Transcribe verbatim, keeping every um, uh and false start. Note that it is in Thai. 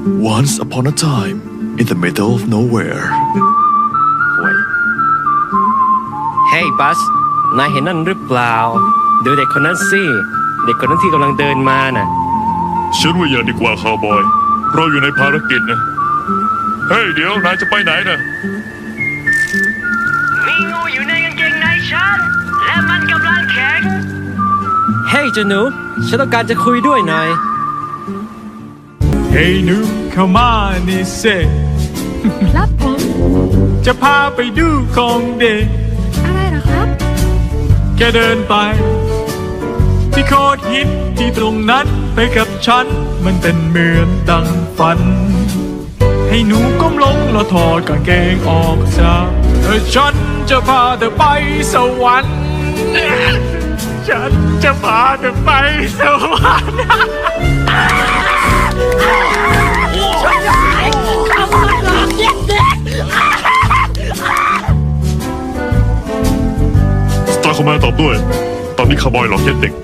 Once upon a time in the middle of nowhere ห่วยเฮ้ยบัสนายเห็นนั่นหรือเปล่าดูเด็กคนนั้นสิเด็กคนนั้นที่กำลังเดินมาน่ะฉันว่าอย่าดีกว่าคาวบอยเราอยู่ในภารกิจนะเฮ้ยเดี๋ยวนายจะไปไหนนะมีงูอยู่ในกางเกงในฉันและมันกำลังแข็งเฮ้ยเจ้าหนูฉันต้องการจะคุยด้วยหน่อยเฮ้ยหนูเข้ามานี่เซครับผมจะพาไปดูของเด็กอะไรเหรอครับแกเดินไปที่โคตรฮิตที่ตรงนั้นไปกับฉันมันเป็นเหมือนดังฝันให้หนูก้มลงแล้วถอดกางเกงออกจากเออฉันจะพาเธอไปสวรรค์ฉันจะพาเธอไปสวรรค์สตาร์คอมแมนตอบด้วยตอนนี้คาวบอยหลอกเย็ดเด็ก